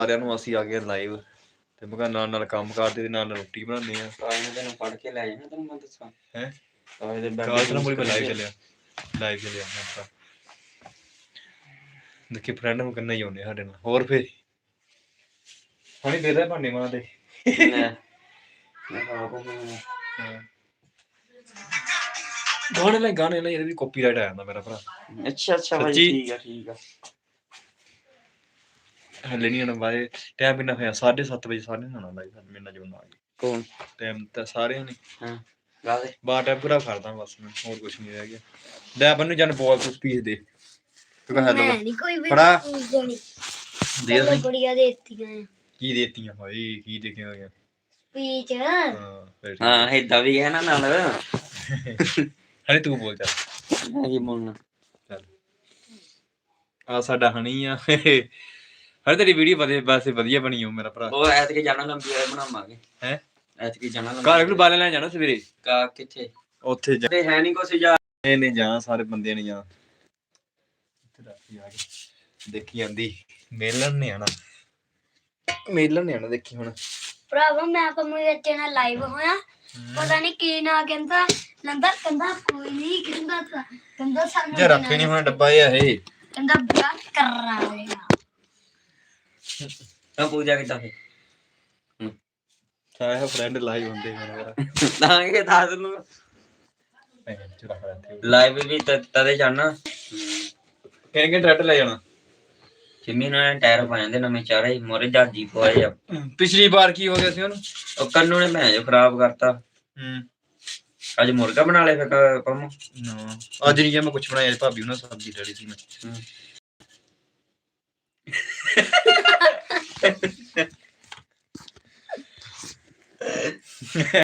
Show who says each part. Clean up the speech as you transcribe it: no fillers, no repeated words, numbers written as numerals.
Speaker 1: ਸਾਰਿਆਂ ਨੂੰ ਅਸੀਂ ਆ ਗਏ ਲਾਈਵ ਤੇ ਮੈਂ ਕਿਹਾ ਨਾਲ ਕੰਮ ਕਰਦੇ ਤੇ ਨਾਲ ਰੋਟੀ ਬਣਾਉਂਦੇ ਆ।
Speaker 2: ਤੈਨੂੰ ਫੜ ਕੇ ਲੈ ਜਾਣਾ ਤੈਨੂੰ ਮੈਂ ਦੱਸਾਂ
Speaker 1: ਹੈ
Speaker 2: ਕਾਲੇ ਦੇ
Speaker 1: ਲਾਈਵ ਚੱਲਿਆ ਆਪਾਂ ਦੇਖੀ ਫਰੈਂਡ ਨੂੰ ਕਿੰਨਾ ਹੀ ਆਉਂਦੇ ਸਾਡੇ ਨਾਲ। ਹੋਰ ਫੇਰ ਹਣੀ ਦੇ ਦੇ ਭਾਂਡੇ ਮਾਂ ਦੇ ਗਾਣੇ ਲੈ ਇਹਦੇ ਵੀ ਕਾਪੀਰਾਈਟ ਆ ਜਾਂਦਾ ਮੇਰਾ ਭਰਾ।
Speaker 2: ਅੱਛਾ ਭਾਈ ਠੀਕ ਆ
Speaker 1: ਹਲੇ ਨਹੀਂ ਆਉਣਾ ਬਾਏ ਟਾਈਮ ਕਿੰਨਾ ਹੋਇਆ 7:30 ਵਜੇ ਸਾਰੇ ਨੇ ਆਉਣਾ ਲਾਈਵ ਮੇਰੇ ਨਾਲ ਜੁੜਨਾ।
Speaker 2: ਕੌਣ
Speaker 1: ਟਾਈਮ ਤਾਂ ਸਾਰਿਆਂ ਨੇ
Speaker 2: ਗਾ ਦੇ
Speaker 1: ਬਾਰ ਟਾਈਮ ਪੂਰਾ ਕਰਦਾ ਬਸ ਮੈਂ ਹੋਰ ਕੁਝ ਨਹੀਂ ਰਹਿ ਗਿਆ। ਲੈ ਬੰਨੂ ਜਨ ਬੋਲ ਤੂੰ ਸਪੀਚ ਦੇ ਤੂੰ ਕਹ ਹੈਲੋ
Speaker 3: ਨਹੀਂ ਕੋਈ ਵੀ
Speaker 1: ਬੜਾ
Speaker 3: ਦੇਣੀ
Speaker 1: ਦੇ ਦੇ
Speaker 3: ਬੜੀਆਂ ਦੇਤੀਆਂ
Speaker 1: ਕੀ ਦੇਤੀਆਂ ਭਾਈ ਕੀ ਦੇਖਿਆ ਹੋਇਆ
Speaker 3: ਸਪੀਚ
Speaker 2: ਹਾਂ ਏਦਾਂ ਵੀ ਹੈ ਨਾ ਨਾਲ
Speaker 1: ਹਣੀ ਤੂੰ ਬੋਲ ਚੱਲ
Speaker 2: ਮੈਂ ਕੀ ਬੋਲਣਾ
Speaker 1: ਚੱਲ ਆ ਸਾਡਾ ਹਣੀ ਆ ਹਰ ਤੇਰੀ ਵੀਡੀਓ ਵੈਸੇ ਵਧੀਆ ਬਣੀ ਹੋ ਮੇਰਾ ਭਰਾ।
Speaker 2: ਉਹ ਐਤਕੀ ਜਾਣਾ ਲੰਬੀ ਵਾਲੇ ਬਣਾਵਾਂਗੇ
Speaker 1: ਹੈ
Speaker 2: ਐਤਕੀ ਜਾਣਾ
Speaker 1: ਘਰ ਨੂੰ ਬਾਲੇ ਲੈਣ ਜਾਣਾ ਸਵੇਰੇ
Speaker 2: ਕਾ ਕਿੱਥੇ
Speaker 1: ਉੱਥੇ ਜਾ
Speaker 2: ਤੇ ਹੈ ਨਹੀਂ ਕੁਛ ਜਾ
Speaker 1: ਨਹੀਂ ਜਾ ਸਾਰੇ ਬੰਦਿਆਂ ਨੇ ਜਾ ਦੇਖੀ ਜਾਂਦੀ ਮੇਲਣ ਨੇ ਆਣਾ ਦੇਖੀ ਹੁਣ
Speaker 3: ਭਰਾਵਾ ਮੈਂ ਤਾਂ ਮੇਰੇ ਬੱਚੇ ਨਾਲ ਲਾਈਵ ਹੋਇਆ ਪਤਾ ਨਹੀਂ ਕੀ ਨਾ ਕਹਿੰਦਾ ਕਹਿੰਦਾ ਕੋਈ ਨਹੀਂ ਕਹਿੰਦਾ ਸਾਨੂੰ
Speaker 1: ਜੇ ਰੱਖੇ ਨਹੀਂ ਹੁਣ ਡੱਬਾ ਇਹ
Speaker 3: ਕਹਿੰਦਾ ਵਿਆਹ ਕਰਾਂਗਾ
Speaker 2: ਤਾਂ ਪੂਜਾ ਕਿੱਦਾਂ ਫੇ
Speaker 1: ਸਾਰਾ ਫਰੈਂਡ ਲਾਈਵ ਹੁੰਦੇ ਮੇਰਾ
Speaker 2: ਤਾਂ ਇਹ ਦੱਸ ਨੂੰ ਲਾਈਵ ਵੀ ਤਦੇ ਜਾਣਾ
Speaker 1: ਕਿਹਨੇ ਟਰੈਕਟਰ ਲੈ ਜਾਣਾ
Speaker 2: ਜਿੰਮੀ ਨਾਲ ਟਾਇਰ ਪਾ ਜਾਂਦੇ ਨਵੇਂ ਚਾਰੇ ਮੋਰੇ ਜਾਜੀ ਪਵਾਏ ਆ।
Speaker 1: ਪਿਛਲੀ ਵਾਰ ਕੀ ਹੋ ਗਿਆ ਸੀ ਉਹਨੂੰ
Speaker 2: ਉਹ ਕੰਨੂ ਨੇ ਭੈਣ ਜੋ ਖਰਾਬ ਕਰਤਾ। ਅੱਜ ਮੁਰਗਾ ਬਣਾ ਲਿਆ ਫਿਰ ਪੰਮੋ
Speaker 1: ਅੱਜ ਨਹੀਂ ਮੈਂ ਕੁਝ ਬਣਾਇਆ ਭਾਬੀ ਉਹਨਾਂ ਸਬਜ਼ੀ ਡੜੀ ਸੀ ਮੈਂ